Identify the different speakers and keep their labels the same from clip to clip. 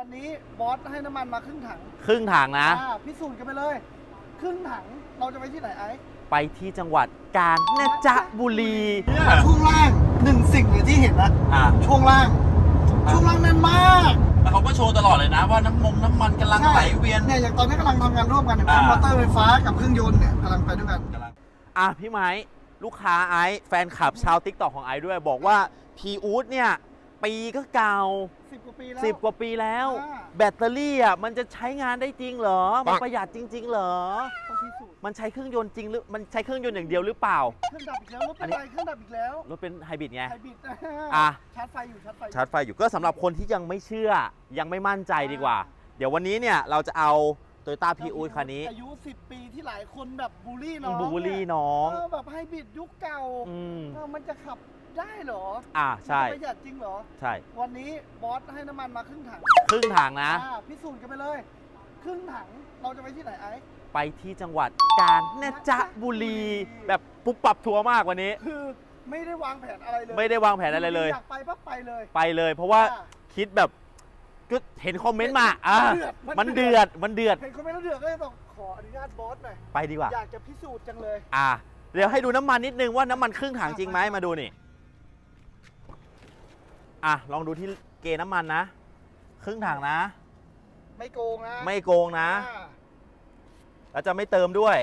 Speaker 1: วันนี้บอสให้น้ำมันมาครึ่งถัง
Speaker 2: ครึ่งถังนะ
Speaker 1: พิสูจน์กันไปเลยครึ่งถังเราจะไปที่ไหนไอ้
Speaker 2: ไปที่จังหวัดกาญจนบุรี
Speaker 1: ช่วงล่างหนึ่งสิ่งเลยที่เห็นนะช่วงล่างแน่นมาก
Speaker 3: แล้วเขาก็โชว์ตลอดเลยนะว่าน้ำมันกำลังไหลเวียน
Speaker 1: เนี่ยอย่างตอนนี้กำลังทำงานร่วมกันเห็นไหมมอเตอร์ไฟฟ้ากับเครื่องยนต์เนี่ยกำลังไปด้วยกัน
Speaker 2: พี่ไม้ลูกค้าไอซ์แฟนคลับชาวติ๊กต็อกของไอซ์ด้วยบอกว่าพีอู๊ดเนี่ยปีก็เก่า
Speaker 1: 10 กว่าปีแล้ว
Speaker 2: 10 กว่าปีแล้ว แบตเตอรี่มันจะใช้งานได้จริงเหรอมันประหยัดจริงๆเหรอ
Speaker 1: ต้องพิสูจน์
Speaker 2: มันใช้เครื่องยนต์จริงหรือมันใช้เครื่องยนต์อย่างเดียวหรือเปล่า
Speaker 1: เครื่องดับอีกแล้วรถเป็นไรเครื่องดับอีกแล้ว
Speaker 2: รถเป็นไฮบริดไง
Speaker 1: ไฮบริดชาร์จไฟอยู่
Speaker 2: ชาร์จไฟอยู่ก็สำหรับคนที่ยังไม่เชื่อยังไม่มั่นใจดีกว่า เดี๋ยววันนี้เนี่ยเราจะเอา Toyota Prius คันนี้
Speaker 1: อายุ10 ปีที่หลายคนแบบบูลลี่น้อง
Speaker 2: บูลลี่น้อง
Speaker 1: แบบไฮบริดยุคเก่ามันจะขับได้เหรอ
Speaker 2: ใช่
Speaker 1: ประหยัดจริงเหรอ
Speaker 2: ใช่
Speaker 1: วันนี้บอสให้น้ำมันมาครึ่งถัง
Speaker 2: ครึ่งถังนะ
Speaker 1: พิสูจน์กันไปเลยครึ่งถังเราจะไปที่ไหนไอ้
Speaker 2: ไปที่จังหวัดกาญจนบุรีแบบปุ๊บปับทัวร์มากวันนี้
Speaker 1: คือไม่ได้วางแผนอะไรเลย
Speaker 2: ไม่ได้วางแผนอะไรเลย
Speaker 1: อยากไปปั๊บไป
Speaker 2: เลยเพราะว่าคิดแบบก็เห็นคอมเมนต์มามันเดือด
Speaker 1: เห็นคอมเมนต์แล้วเดือดก็เลยต้องขออนุญาตบอสหน่อย
Speaker 2: ไปดีกว่า
Speaker 1: อยากจะพิสูจน์จังเลย
Speaker 2: เดี๋ยวให้ดูน้ำมันนิดนึงว่าน้ำมันครึ่งถังจริงไหมมาดูนี่ลองดูที่เกณฑ์น้ำมันนะครึ่งถังนะ
Speaker 1: ไม่โกงนะ
Speaker 2: แล้วจะไม่เติมด้วย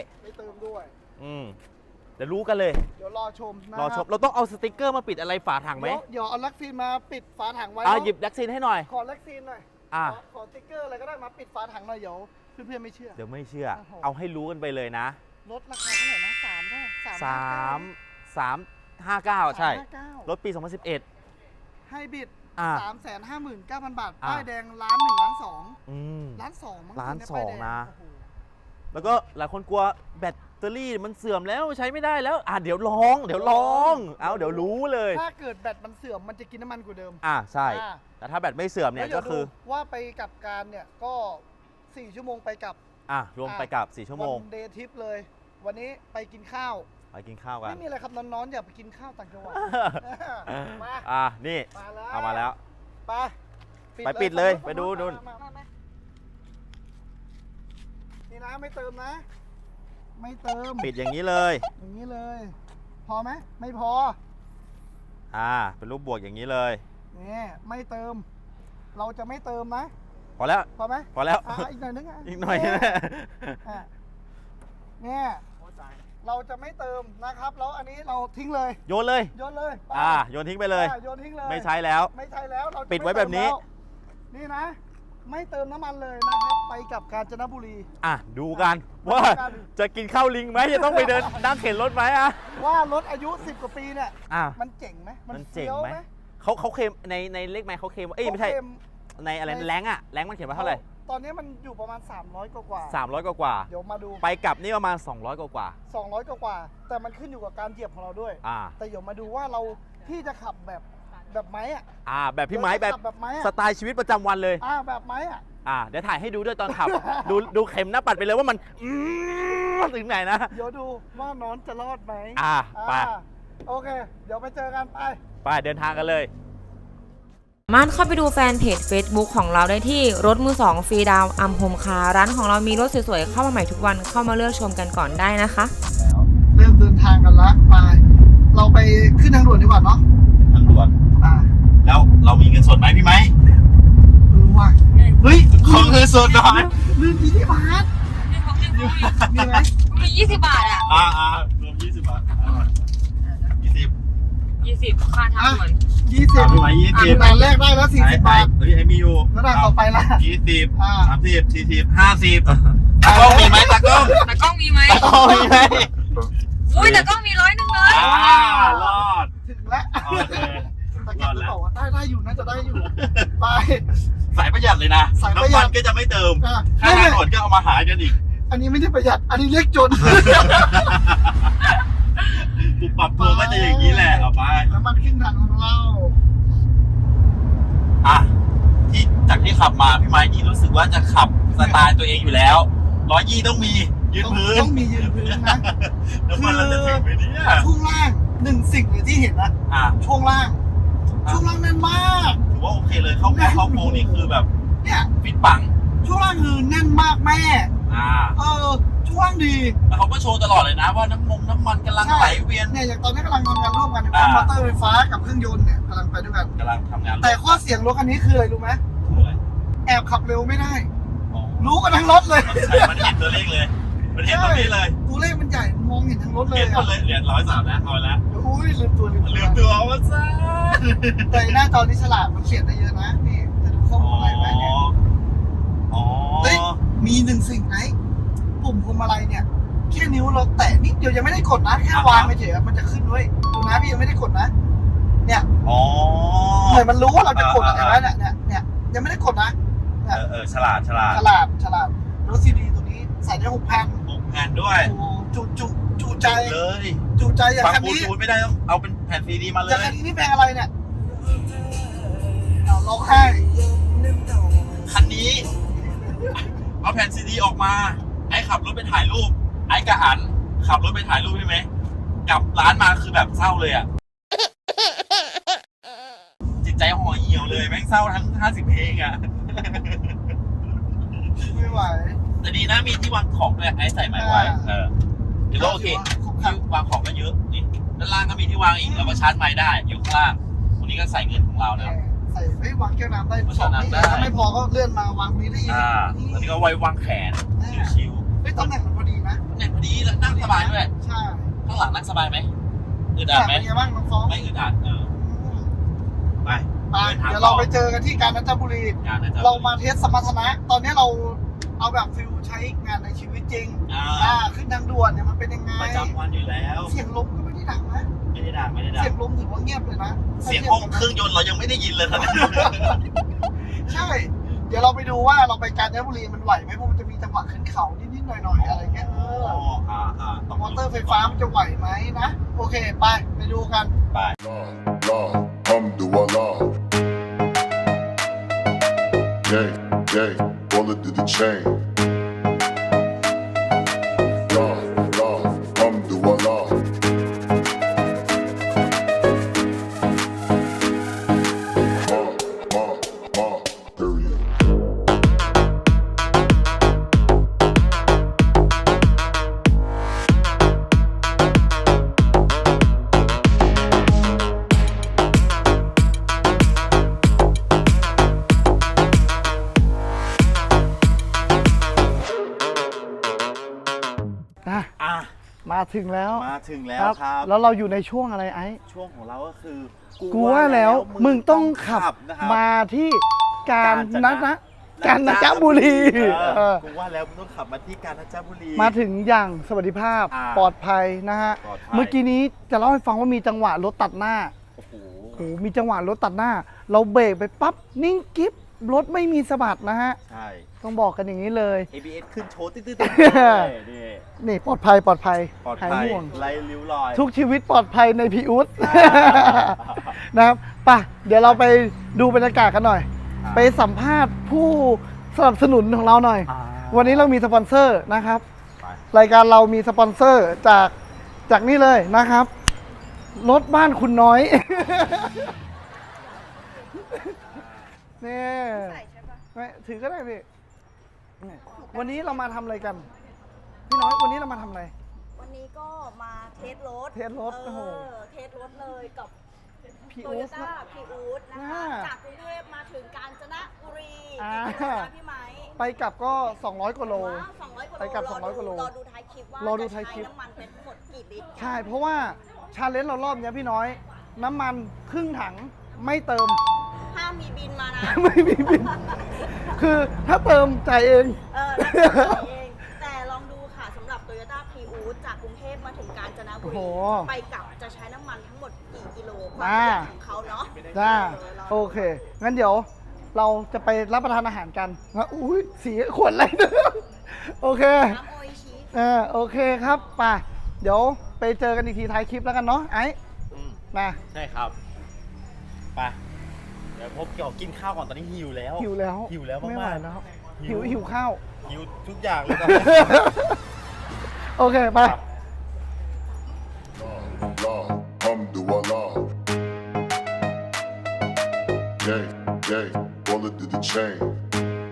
Speaker 2: เดี๋ยวรู้กันเลย
Speaker 1: เดี๋ยวรอชม
Speaker 2: เราต้องเอาสติกเกอร์มาปิดอะไรฝาถังไหม
Speaker 1: เดี๋ยวเอาลักซีนมาปิดฝาถังไว้
Speaker 2: หยิบลักซีนให้หน่อย
Speaker 1: ขอลักซีนหน่อยขอสติกเกอร์อะไรก็ได้มาปิดฝาถังหน่อยเดี๋ยวเพื่อนๆไม่เชื่อ
Speaker 2: เดี๋ยวไม่เชื่อเอาให้รู้กันไปเลยนะ
Speaker 1: รถราคาเท่าไหร่นะ
Speaker 2: 359ใช่รถปี2011
Speaker 1: ไฮบริด359,000 บาทป้ายแดง1,200,000 1,200,000
Speaker 2: นะแล้วก็หลายคนกลัวแบตเตอรี่มันเสื่อมแล้วใช้ไม่ได้แล้วเดี๋ยวลองเดี๋ยวรู้เลย
Speaker 1: ถ้าเกิดแบตมันเสื่อมมันจะกินน้ำมันกว่าเดิม
Speaker 2: ใช่แต่ถ้าแบตไม่เสื่อมเนี่ยก็คือ
Speaker 1: ว่าไปกับการเนี่ยก็4 ชั่วโมงไปกับ
Speaker 2: รวมไปกับ4 ชั่วโมง
Speaker 1: วันเดย์ทริปเลยวันนี้ไปกินข้าว
Speaker 2: กัน
Speaker 1: ไม่มีอะไรครับน้องๆอย่าไปกินข้าวต่างจังหวัด
Speaker 2: มานี่เอามาแล้วไปปิดเลยไปดู
Speaker 1: นี่นะไม่เติมนะไม่เติม
Speaker 2: ปิดอย่างนี้เลย
Speaker 1: พอไหมไม่พอ
Speaker 2: เป็นรูปบวกอย่างนี้เลย
Speaker 1: นี่ไม่เติมเราจะไม่เติมนะ
Speaker 2: พอแล้ว
Speaker 1: พอไหม
Speaker 2: พอแล้ว
Speaker 1: อีกหน่อยนึง
Speaker 2: อีกหน่อย
Speaker 1: เนี่ยเราจะไม่เติมนะครับแล้วอันนี้เราทิ้งเลย
Speaker 2: โยนเลยโยนทิ้งไปเลยไม่ใช้แล้ว
Speaker 1: เรา
Speaker 2: ปิดไว้แบบนี้
Speaker 1: นี่นะไม่เติมน้ำมันเลยนะครับไปกับกาญจนบุรี
Speaker 2: ดูกันว่าจะกินข้าวลิงไหมจะต้องไปเดินนั่งเข็นรถไหม
Speaker 1: ว่ารถอายุ10 กว่าปีเนี่ยมันเจ๋งไหม
Speaker 2: มันเจ๋งไหมเขาเคลมในเลขไมค์เขาเคลมไม่ใช่ในอะไรแรงมันเขียนว่าเท่าไหร่
Speaker 1: ตอนนี้มันอยู่ประมาณ300 กว่า
Speaker 2: เดี๋
Speaker 1: ยวมาดู
Speaker 2: ไปกลับนี่ประมาณ200 กว่า
Speaker 1: แต่มันขึ้นอยู่กับการเหยียบของเราด้วยแต่เดี๋ยวมาดูว่าเราที่จะขับแบบไม้
Speaker 2: แบบพี่ไม้แบบสไตล์ชีวิตประจำวันเลย
Speaker 1: แบบไม้
Speaker 2: เดี๋ยวถ่ายให้ดูด้วยตอนขับ ดูเข็มหน้าปัดไปเลยว่ามันถึงไหนนะ
Speaker 1: เดี๋ยวดูว่าน้องจะรอดไหม
Speaker 2: ไป
Speaker 1: โอเคเดี๋ยวไปเจอกัน
Speaker 2: ไปเดินทางกันเลย
Speaker 4: สามารถเข้าไปดูแฟนเพจ Facebook ของเราได้ที่รถมือ2ฟรีดาวอัมโฮมคาร์ร้านของเรามีรถสวยๆเข้ามาใหม่ทุกวันเข้ามาเลือกชมกันก่อนได้นะคะ
Speaker 1: เริ่มเดินทางกันละไปเราไปขึ้นทางด่วนดีกว่าเนาะ
Speaker 3: ทางด่วนแล้วเรามีเงินสดไหมพี่ไหม
Speaker 1: ว่าเฮ้ย
Speaker 3: ของเงินสดหน่อย
Speaker 1: ลืม20 บาทมีไหม
Speaker 4: มี20 บาท
Speaker 3: รวม20 บาท
Speaker 4: 20ค่าทางด่วน
Speaker 1: 20
Speaker 3: พี่ไหม20
Speaker 1: ด่านแรกได้แล้ว40 บาท
Speaker 3: ไอ้มีอยู่
Speaker 1: แล้วด่านต่อไปล่ะ
Speaker 3: 20 30 40 50ตากล้องมีไหมตากล้อง
Speaker 4: มีไหมอุ้ยตากล้องมี100เลย
Speaker 3: รอด
Speaker 1: ถึงแล้วตากล้องบอกว่าได้อยู่น่าจะได้อยู่ไป
Speaker 3: สายประหยัดเลยนะน้ำมันก็จะไม่เติมค่าทางด่วนก็เอามาหากันอีก
Speaker 1: อันนี้ไม่ได้ประหยัดอันนี้เรียกจน
Speaker 3: ปุ๊บปรับตัวก็จะอย่างนี้แหละเอาไป
Speaker 1: น้ำมันครึ่งถังของเรา
Speaker 3: ที่จากที่ขับมาพี่ไม้นี่รู้สึกว่าจะขับสไตล์ตัวเองอยู่แล้ว120ต้องมียืนพื้น
Speaker 1: ต้องมียืนพื้นนะ
Speaker 3: น้ำมันเราจะถึงไหมเนี่ย
Speaker 1: ช่วงล่างสิ่งเลยที่เห็นนะช่วงล่างแน่นมาก
Speaker 3: ถือว่าโอเคเลยเข้าโค้งนี่คือแบบ
Speaker 1: เนี่ย
Speaker 3: ฟิตปัง
Speaker 1: ช่วงล่างคือแน่นมากแม่ ช่วงล่างดี
Speaker 3: แล้วเขาก็โชว์ตลอดเลยนะว่าน้ำมันกำลังไหลเวียน
Speaker 1: เนี่ยอย่างตอนนี้กำลังทำงานร่วมกันเป็นมอเตอร์ไฟฟ้ากับเครื่องยนต์เนี่ยกำลังไปด้วยกัน
Speaker 3: กำลังทำงาน
Speaker 1: แต่ข้อเสียงรถคันนี้คืออะไรรู้ไหม
Speaker 3: คืออะไร
Speaker 1: แอบขับเร็วไม่ได้
Speaker 3: อ๋อ
Speaker 1: รู้กันทั้งรถเลย
Speaker 3: มันเห็นตัวเลขเลยมันเห็นตรงนี้เลย
Speaker 1: ตัวเลขมันใหญ่มองเห็นทั้งรถเลย
Speaker 3: เห็นหมดเลยเหรียญ103นะเอาละ
Speaker 1: อุ้ยลืมตัว
Speaker 3: ลืมตัวว่าซ่า
Speaker 1: แต่หน้าจอนี้ฉลาดมันเขียนได้เยอะนะนี่จะดูข้อมูลอะไรไหมเนี่ย
Speaker 3: อ๋อ
Speaker 1: เฮ้ยมีหนึ่งสิ่งไหนปุ่มพวงมาลัยเนี่ยแค่นิ้วเราแตะนิดเดียวยังไม่ได้กดนะแค่วางไปเฉยๆมันจะขึ้นด้วยดูนะพี่ยังไม่ได้กดนะเนี่ย
Speaker 3: อ๋อ
Speaker 1: เหมือนมันรู้ว่าเราจะกดอะไรไหมเนี่ยยังไม่ได้กดนะ
Speaker 3: ฉลาด
Speaker 1: ฉลาดรถซีดีตัวนี้ใส่ได้6 แผ่น
Speaker 3: 6 แผ่นด้วย
Speaker 1: จุใจ
Speaker 3: เลย
Speaker 1: จุใจอย่าง
Speaker 3: ฟัง
Speaker 1: คัน
Speaker 3: บลู
Speaker 1: นี้
Speaker 3: ทูธไม่ได้ต้องเอาเป็นแผ่นซีดีมาเล
Speaker 1: อย่าง
Speaker 3: ย
Speaker 1: คันนี้นี่เพลงอะไรเนี่ยเอาร้องไห้
Speaker 3: คันนี้ เอาแผ่นซีดีออกมา ไอ้ขับรถไปถ่ายรูป ไอ้กระอันขับรถไปถ่ายรูปใช่ไหมกลับร้านมาคือแบบเศร้าเลยอ่ะ จิตใจห่อเหี่ยวเลยแม่งเศร้าทั้ง50 เพลงอ่ะ
Speaker 1: ไม่ไหว
Speaker 3: แต่ดีนะมีที่วางของด้วยไอ้ใส่ไม้ไว้ถือว่าโอเคที่วางของก็เยอะนี่ด้านล่างก็มีที่วางอีกแล้วก็ชาร์จไม้ได้อยู่ข้างล่างตรงนี้ก็ใส่เงินของเรานะ
Speaker 1: ใส่ไม่วางแก้วน้ำได้
Speaker 3: วางน้ำได้
Speaker 1: ถ้าไม่พอก็เลื่อนมาวางนี้ได้อีก
Speaker 3: ตอนนี้ก็ไว้วางแขนชิว
Speaker 1: ไม่ตำแหน่งมันพอดีนะ
Speaker 3: ๆเนี่ยพอดีแล้วนั่งสบายด้วย
Speaker 1: ใช่
Speaker 3: ข้างหลังนั่งสบายไหมอึดอัดไหม
Speaker 1: เป็นไงบ้างน้องฟอง
Speaker 3: ไม่อึดอัดไป
Speaker 1: เดี๋ยวเราไปเจอกันที่กาญจนบุรี เรามาเทสสมรรถนะ ตอนนี้เราเอาแบบฟิลใช้งานในชีวิตจริงขึ้นทางด่วนเนี่ยมันเป็นยังไง
Speaker 3: ประจำวันอยู่แล้ว
Speaker 1: เสียงลมก็ไม่ได้ดังนะ
Speaker 3: ไม่ได้ด่า
Speaker 1: เสียงลมถือว่าเงียบเลยนะ
Speaker 3: เสียงห้องเครื่องยนต์เรายังไม่ได้ยินเลยตอนนี้
Speaker 1: ใช่ เดี๋ยวเราไปดูว่าเราไปกาญจนบุรีมันไหวไหมเพราะมันจะมีจังหวะขึ้นเขานิดๆหน่อยๆอะไรเงี้ยมอเตอร์ไฟฟ้ามันจะไหวไหมนะ โอเคไปดูกัน
Speaker 3: ไป
Speaker 5: Alhamdulillah. Yay, bullet to the chain. Alhamdulillah. Period.
Speaker 1: มาถึงแล้ว
Speaker 2: มาถึงแล้วครับ
Speaker 1: แล้วเราอยู่ในช่วงอะไรไอ้
Speaker 2: ช่วงของเราก็คือ
Speaker 1: กูว่าแล้วมึงต้องขับ
Speaker 2: นะครับ
Speaker 1: มาที่กาญจนบุรี
Speaker 2: กูว่าแล้วมึงต้องขับมาที่กาญจนบุรี
Speaker 1: มาถึงอย่างสวัสดิภาพปลอดภัยนะฮะ
Speaker 2: ปลอดภัย
Speaker 1: เมื่อกี้นี้จะเล่าให้ฟังว่ามีจังหวะรถตัดหน้า
Speaker 2: โอ้โห
Speaker 1: โอ้โหมีจังหวะรถตัดหน้า เราเบรกไปปั๊บนิ่งกิ๊บรถไม่มีสะบัดนะฮะ
Speaker 2: ใช่
Speaker 1: ต้องบอกกันอย่างนี้เลย
Speaker 2: ABS ขึ้นโชว์ตื้อๆนี่
Speaker 1: นี่ปลอดภัย
Speaker 2: ปลอด
Speaker 1: หาย
Speaker 2: ภัย
Speaker 1: ห่วง
Speaker 2: ไร้ริ้วรอย
Speaker 1: ทุกชีวิตปลอดภัยในพีอุส นะครับไป่ะ เดี๋ยวเราไปดูบรรยากาศกันหน่อย ไปสัมภาษณ์ผู้สนับสนุนของเราหน่อย วันนี้เรามีสปอนเซอร์นะครับ รายการเรามีสปอนเซอร์จากนี่เลยนะครับ รถบ้านคุณน้อย นี่ไม่ถือก็ได้พี่นี่วันนี้เรามาทำอะไรกัน พี่น้อยวันนี้เรามาทำอะไร
Speaker 6: วันนี้ก็มาเทสรถ
Speaker 1: เทสรถโอ้โห
Speaker 6: เทสรถเลยกับ
Speaker 1: พี่
Speaker 6: โต
Speaker 1: อู๊
Speaker 6: โย
Speaker 1: ด
Speaker 6: ต้าพีอูดนะคะ จากกรุงเทพมาถึงกาญจนบุรี
Speaker 1: อ่า
Speaker 6: กี่กิโลนะพี่ไม้
Speaker 1: ไปกลับก็ 200 กว่าโล
Speaker 6: 200 กว่าโล
Speaker 1: ไปกลับ200กว่าโล
Speaker 6: รอดูท้ายคลิปว่าร
Speaker 1: อดู
Speaker 6: จะ
Speaker 1: ท้ายคลิ
Speaker 6: ใช้
Speaker 1: ป
Speaker 6: น้ำมันเป็นทั้งหมดกี่ลิตร
Speaker 1: ใช่ เพราะว่าชาเลนจ์เรารอบเนี้ยพี่น้อย น้ำมันครึ่งถังไม่เติม
Speaker 6: ห้ามมีบินมานะ
Speaker 1: ไม่มีบิน คือถ้าเติมจ่ายเอง
Speaker 6: แล้วจะจ่ายเองแต่ลองดูค่ะสำหรับ Toyota Prius จากกรุงเทพมาถึงกาญจนบุ
Speaker 1: โอ้
Speaker 6: รี
Speaker 1: โห
Speaker 6: ไปกลับจะใช้น้ำมันทั้งหมดกี่กิโลความ
Speaker 1: อ่า
Speaker 6: ประหยัดของเขาเนาะ
Speaker 1: จ้า
Speaker 6: ลง
Speaker 1: โอเค งั้นเดี๋ยวเราจะไปรับประทานอาหารกันนะอุ้ยสีขวดอะไรเนี่ยโอเค
Speaker 6: น้ำโออิชิ
Speaker 1: โอเคครับไป่ะ เดี๋ยวไปเจอกันอีกทีท้ายคลิปแล้วกันเนาะไอ้
Speaker 2: อืม
Speaker 1: มา
Speaker 2: ใช่ครับ ไป เดี๋ยวพบเกี่ยวกินข้าวก่อนตอนนี้หิวแล้ว
Speaker 1: หิวแล้ว
Speaker 2: หิวแล้ว
Speaker 1: ไม่ไหว
Speaker 2: มากๆ
Speaker 1: แล้ว
Speaker 2: หิว
Speaker 1: หิวข้าว
Speaker 2: หิวทุกอย่างเลยตอนนี้
Speaker 1: โอเค ไป
Speaker 5: Alhamdulillah. Yay, bullet to the chain.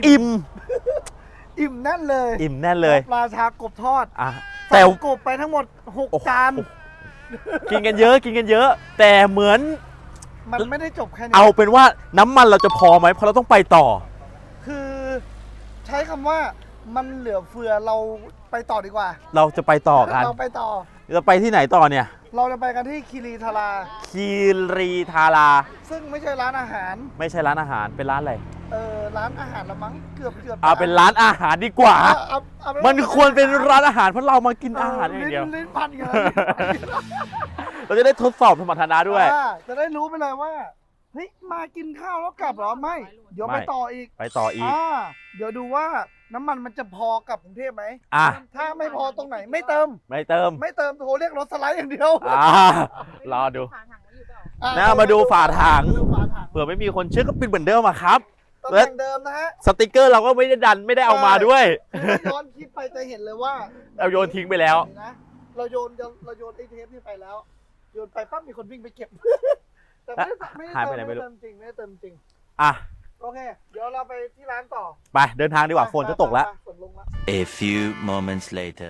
Speaker 2: อิ่ม
Speaker 1: อิ่มแน่นเลย
Speaker 2: อิ่มแน่นเลย
Speaker 1: ราชากบทอด
Speaker 2: อ่ะ
Speaker 1: แต่
Speaker 2: แต่
Speaker 1: กบไปทั้งหมด
Speaker 2: โอ้โห
Speaker 1: 6 จาน
Speaker 2: กินกันเยอะกินกันเยอะ แต่เหมือน
Speaker 1: มันไม่ได้จบแค่นี้
Speaker 2: เอาเป็นว่าน้ำมันเราจะพอไหมเพราะเราต้องไปต่อ
Speaker 1: คือใช้คำว่ามันเหลือเฟือเราไปต่อดีกว่า
Speaker 2: เราจะไปต่อกัน
Speaker 1: เราไปต่อ
Speaker 2: จะไปที่ไหนต่อเนี่ย
Speaker 1: เราจะไปกันที่คีรีทารา
Speaker 2: คีรีทารา
Speaker 1: ซึ่งไม่ใช่ร้านอาหาร
Speaker 2: ไม่ใช่ร้านอาหารเป็นร้านอะไร
Speaker 1: ร้านอาหารละมั้งเกือบ
Speaker 2: เอาเป็นร้านอาหารดีกว่า
Speaker 1: เอาเป็
Speaker 2: มันควรเป็นร้านอาหารเพราะเรามากินอาหารอย่างเดียว
Speaker 1: ลิ้นพันกัน
Speaker 2: เราจะได้ทดสอบสมรรถนะด้วย
Speaker 1: จะได้รู้ไปเลยว่าเฮ้ยมากินข้าวแล้วกลับเหรอไม่ เดี๋ยวไป
Speaker 2: ไม่
Speaker 1: ต่ออีก
Speaker 2: ไปต่ออีก
Speaker 1: เดี๋ยวดูว่าน้ำมันจะพอกับกรุงเทพไหม
Speaker 2: อ่ะ
Speaker 1: ถ้าไม่พอตรงไหนไม่เติม
Speaker 2: ไม่เติม
Speaker 1: ไม่เติมโทรเรียกรถสไลด์อย่างเดียว
Speaker 2: รอดู
Speaker 6: ฝาถังไว้อยู่เปล่า
Speaker 2: มาดูฝาถัง
Speaker 1: ดูฝาถัง
Speaker 2: เผื่อไม่มีคนเชื่อก็ปิดเหมือนเดิมอะครับ
Speaker 1: ตำแหน่งเดิมนะฮะ
Speaker 2: สติกเกอร์เราก็ไม่ได้ดันไม่ได้เอามาด้วย
Speaker 1: ถ้าย้อนคลิปไปจะเห็นเลยว่า
Speaker 2: เราโยนทิ้งไปแล้ว
Speaker 1: นะเราโยนไอ้เทปนี่ไปแล้ว โยนไปปั๊บมีคนวิ่งไปเก็บ แต่ไม่
Speaker 2: หาย
Speaker 1: ได้
Speaker 2: ไปไหนไม่รู้
Speaker 1: เติมจริงไม่ได้เติมจริง
Speaker 2: อ่ะ
Speaker 1: โอเค เดี๋ยวเราไปที่ร้านต่อ
Speaker 2: ไปเดินทางดีกว่าฝนจะตกแล้ว
Speaker 1: ไปฝนลงแล้ว
Speaker 7: A few moments later.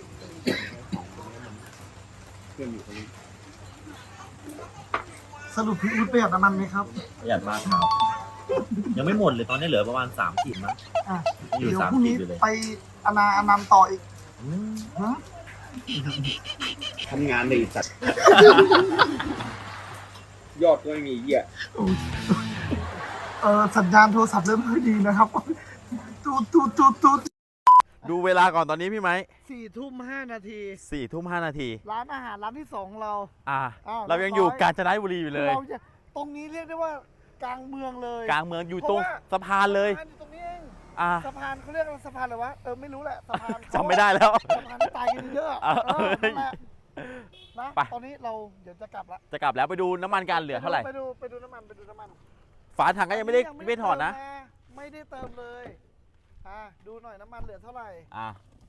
Speaker 1: สรุปพี่อุ๊ดประหยัดน้ำมันไหมครับ
Speaker 2: ประหยัดมากครับ ยังไม่หมดเลยตอนนี้เหลือประมาณ3ขีดมั้ง
Speaker 1: อ่ะ
Speaker 2: อยู่
Speaker 1: เดี๋ยว
Speaker 2: สาม
Speaker 1: พรุ่ง
Speaker 2: ขี
Speaker 1: นี้
Speaker 2: ดอยู่เลย
Speaker 1: ไปอนันต์ต่ออีกฮะ
Speaker 3: ทำงานในสัตว์ ยอดก็ไม่มีเหี้ย
Speaker 1: สัญญาณโทรศัพท์เริ่มไม่ค่อยดีนะครับตูด
Speaker 2: ดูเวลาก่อนตอนนี้พี่ไหม
Speaker 1: 4:05 นาที
Speaker 2: 4:05 นาที
Speaker 1: ร้านอาหารร้านที่2ของเรา
Speaker 2: อ่ะ
Speaker 1: อ้าว
Speaker 2: เรายังอยู่กาญจนบุรีอยู่เลย
Speaker 1: เราจะตรงนี้เรียกได้ว่ากลางเมืองเลย
Speaker 2: กลางเมืองอยู่ตรง
Speaker 1: เพราะว่า
Speaker 2: สะพานเลย
Speaker 1: สะพานอยู่ตรงนี้เอง
Speaker 2: อ่ะ
Speaker 1: สะพานเขาเรียกว่าสะพานอะไรวะไม่รู้แหละสะพาน
Speaker 2: จำไม่ได้แล้ว
Speaker 1: สะพานที่ตายกันเยอะ นั่นแหละนะ
Speaker 2: ไป
Speaker 1: ตอนนี้เราเดี๋ยวจะกลับละ
Speaker 2: จะกลับแล้วไปดูน้ำมันกันเหลือเท่าไหร่
Speaker 1: ไปดูน้ำมัน
Speaker 2: ฝาถังก็ยังไม่ได้ถอดนะ
Speaker 1: ไม่ได้เติมเลยดูหน่อยน้ำมันเหลือเท่าไหร่
Speaker 2: อ่ะ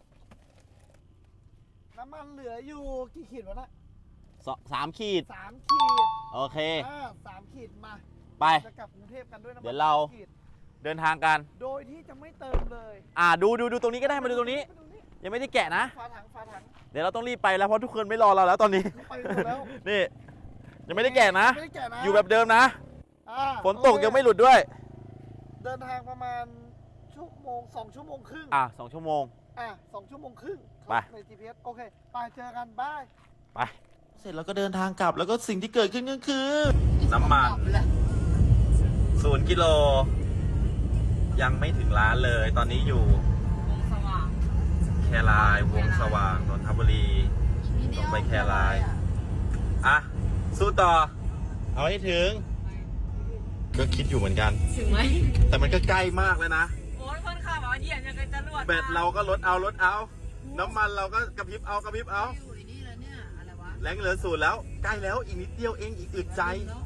Speaker 1: น้ำมันเหลืออยู่กี่ขีดวะนะ
Speaker 2: 3 ขีด
Speaker 1: 3 ขีด
Speaker 2: โอเค
Speaker 1: 3 ขีดมา
Speaker 2: ไป
Speaker 1: จะกลับกรุงเทพกันด้วยน้ำมัน
Speaker 2: เดี๋ยวเรา
Speaker 1: 3ขีด
Speaker 2: เดินทางกัน
Speaker 1: โดยที่จะไม่เติมเลย
Speaker 2: ดูตรงนี้ก็ได้มาดูตรงนี้ ยังไม่ได้แกะนะ
Speaker 1: ฝาถัง
Speaker 2: เดี๋ยวเราต้องรีบไปแล้วเพราะทุกคนไม่รอเราแล้วตอนนี้
Speaker 1: ไปหมดแล้ว
Speaker 2: นี่ ยังไม่ได้แกะนะ
Speaker 1: ไม่ได้แกะนะ
Speaker 2: อยู่แบบเดิมนะ ฝนตก
Speaker 1: โอเค
Speaker 2: ยังไม่หลุดด้วย
Speaker 1: เดินทางประมาณ2 ชั่วโมงครึ่ง
Speaker 2: 2 ชั่วโมง
Speaker 1: 2 ชั่วโมงครึ่ง
Speaker 2: ไป
Speaker 1: ใน GPS โอเค ไปเจอกันบาย
Speaker 2: ไป เสร็จแล้วก็เดินทางกลับแล้วก็สิ่งที่เกิดขึ้นก็คือ น้ำมัน0 กิโล ยังไม่ถึงร้านเลย ตอนนี้อยู่แคราย วงสว่างนนทบุรีลงไปแคราย สู้ต่อ เอาให้ถึง ก็คิดอยู่เหมือนกัน
Speaker 4: ถึงไหม
Speaker 2: แต่มันก็ใกล้มากแล้วนะ
Speaker 4: โอ้ยคนขับเหยียบยังไงจรวด
Speaker 2: แบตเราก็ลดเอา น้ำมันเราก็กระพริบเอา แรงเหลือ0แล้ว ใกล้แล้วอีกนิดเดียวเองอีกอึดใจ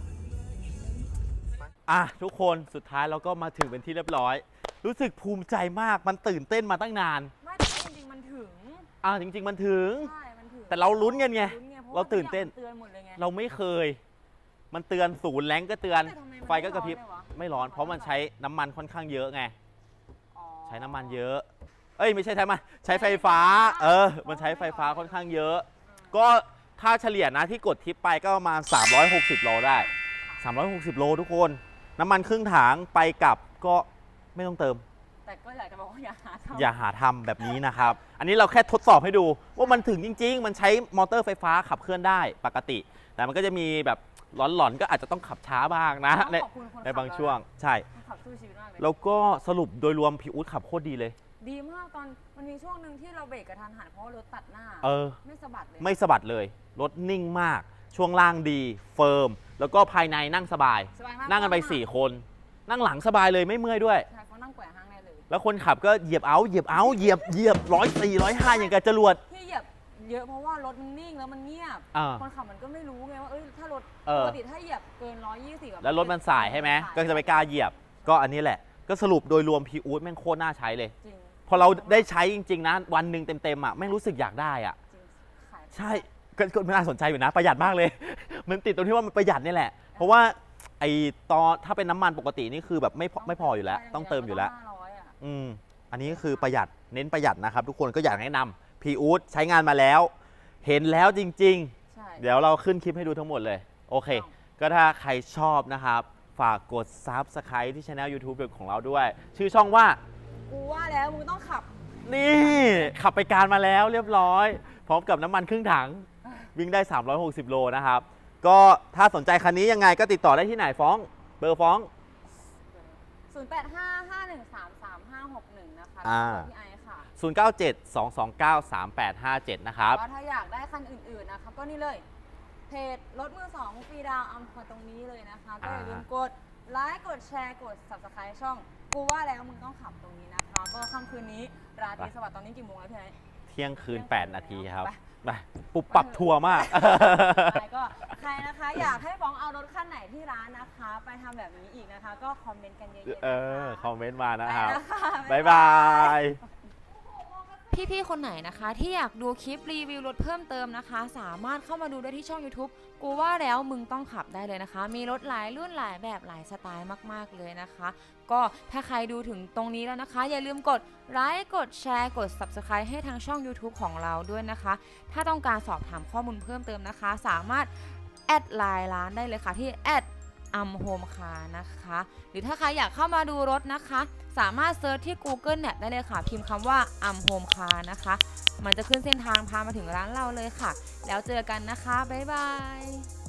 Speaker 2: ทุกคนสุดท้ายเราก็มาถึงเป็นที่เรียบร้อย รู้สึกภูมิใจมากมันตื่นเต้นมาตั้งนาน
Speaker 4: ไม่แต่จริงๆมันถึง
Speaker 2: จริง ๆ มันถึง
Speaker 4: ใช่มันถึง
Speaker 2: แต่เราลุ้นกันไง
Speaker 4: พะว่
Speaker 2: เราตื่นเต้น
Speaker 4: เตือนหมดเลยไง
Speaker 2: เราไม่เคย มันเตือน0แรงก็เตือน
Speaker 4: แต่ทำไมมัน
Speaker 2: ไฟก็กระพริบ
Speaker 4: ไม่ร้อนเลยวะ
Speaker 2: ไม่ร้อน เพราะมันใช้น้ำมันค่อนข้างเยอะไง
Speaker 4: อ๋อ
Speaker 2: ใช้น้ำมันเยอะ ไม่ใช่ใช้มันใช้ไฟฟ้า มันใช้ไฟฟ้าค่อนข้างเยอะ ก็ถ้าเฉลี่ยนะที่กดทิปไปก็ประมาณ360 โลได้ 360 โลทุกคน น้ำมันครึ่งถังไปกลับก็ไม่ต้องเติม
Speaker 4: แต่ก็อยากจะบอกว่าอย่าหาทำ
Speaker 2: อย่าหาทำแบบนี้นะครับ อันนี้เราแค่ทดสอบให้ดูว่ามันถึงจริง ๆ มันใช้มอเตอร์ไฟฟ้าขับเคลื่อนได้ปกติ แต่มันก็จะมีแบบหลอนๆก็อาจจะต้องขับช้าบ้างนะ
Speaker 4: ต้องขอบคุณคนขั
Speaker 2: ในบางช่วง ใช่
Speaker 4: คนขับสู้ชีวิตมากเลย
Speaker 2: แล้วก็สรุปโดยรวมพี่อุ๊ดขับโคตรดีเลย
Speaker 4: ดีมากตอนมันมีช่วงหนึ่งที่เราเบรกกระทันหันเพราะว่ารถตัดหน้า ไม่สะบัดเลย
Speaker 2: ไม่สะบัดเลย รถนิ่งมาก ช่วงล่างดี เฟิร์ม แล้วก็ภายในนั่งสบาย
Speaker 4: สบายมาก
Speaker 2: นั่งกันไป 4 คน นั่งหลังสบายเลยไม่เมื่อยด้วย
Speaker 4: ใช่เขานั่งแกว่งห้างได้เลย
Speaker 2: แล้วคนขับก็เหยียบเหยียบ104 105อย่างกับจรวด
Speaker 4: ที่เหยียบเยอะเพราะว่ารถมันนิ่งแล้วมันเงียบ คนขับมันก็ไม่รู้ไงว่าถ้ารถปกติถ้าเหยียบเกิน120
Speaker 2: แล้วรถมันสายใช่ไหมก็จะไม่กล้าเหยียบ ก็อันนี้แหละ ก็สรุปโดยรวมพี่อู๊ดแม่งโคตรน่าใช้เลย
Speaker 4: จริง
Speaker 2: พอเราได้ใช้จริงๆนะวันหนึ่งเต็มๆแม่งรู้สึกอยากได้
Speaker 4: จริงขาย
Speaker 2: ใช่ก็น่าสนใจอยู่นะประหยัดมากเลย มันติดตรงที่ว่ามันประหยัดนี่แหละ เพราะว่าไอ้ตอนถ้าเป็นน้ำมันปกตินี่คือแบบไม่พออยู่แล้วต้องเติมอยู่แล้ว
Speaker 4: 500อะ
Speaker 2: อันนี้ก็คือประหยัดเน้นประหยัดนะครับ ทุกคนก็อยากแนะนำพีอูดใช้งานมาแล้ว เห็นแล้วจริง
Speaker 4: ใช่
Speaker 2: ๆ เดี๋ยวเราขึ้นคลิปให้ดูทั้งหมดเลย โอเค ก็ถ้าใครชอบนะครับ ฝากกด Subscribe ที่ Channel YouTube ของเราด้วย ชื่อช่องว่า
Speaker 6: กูว่าแล้วมึงต้องขับ
Speaker 2: นี่ขับไปการมาแล้วเรียบร้อย พร้อมกับน้ำมันครึ่งถัง วิ่งได้ 360 โลนะครับ ก็ถ้าสนใจคันนี้ยังไงก็ติดต่อได้ที่ไหนฟ้อง เบอร์ฟ้อง
Speaker 4: 0855133561 นะคะ
Speaker 2: อ่า
Speaker 4: พี่ไอซ์ค่ะ
Speaker 2: 0972293857 นะครับ
Speaker 4: ก็ถ้าอยากได้คันอื่นๆนะคะก็นี่เลย เพจรถมือ 2 ฟรีดาวอัมพรตรงนี้เลยนะคะ ก็อย่าลืมกดไลค์กดแชร์กด Subscribe ช่อง กูว่าแล้วมึงต้องขับตรงนี้นะคะ ก็ค่ำคืนนี้ราตรีสวัสดิ์ตอนนี้กี่โมงแล้วพี่ไอซ์
Speaker 2: เที่ยงคืน 8 นาทีครับ
Speaker 4: ไป
Speaker 2: ไปปุบปับทัวร์มาก
Speaker 4: ใช่ก็ใครนะคะอยากให้ฟ้องเอารถคันไหนที่ร้านนะคะ ไปทำแบบนี้อีกนะคะ ก็คอมเมนต์กันเยอะๆนะคะ
Speaker 2: คอมเมนต์มานะครับ
Speaker 4: ไปนะคะ
Speaker 2: บ๊ายบาย
Speaker 4: พี่ๆ คนไหนนะคะที่อยากดูคลิปรีวิวรถเพิ่มเติมนะคะ สามารถเข้ามาดูได้ที่ช่อง YouTube กูว่าแล้วมึงต้องขับได้เลยนะคะ มีรถหลายรุ่นหลายแบบหลายสไตล์มากๆเลยนะคะ ก็ถ้าใครดูถึงตรงนี้แล้วนะคะ อย่าลืมกดไลค์กดแชร์กด Subscribe ให้ทางช่อง YouTube ของเราด้วยนะคะ ถ้าต้องการสอบถามข้อมูลเพิ่มเติมนะคะ สามารถแอดไลน์ร้านได้เลยค่ะที่อัมโฮมคาร์นะคะหรือถ้าใครอยากเข้ามาดูรถนะคะ สามารถเซิร์ชที่ Google Map ได้เลยค่ะ พิมพ์คำว่าอัมโฮมคาร์นะคะ มันจะขึ้นเส้นทางพามาถึงร้านเราเลยค่ะ แล้วเจอกันนะคะ บ๊ายบาย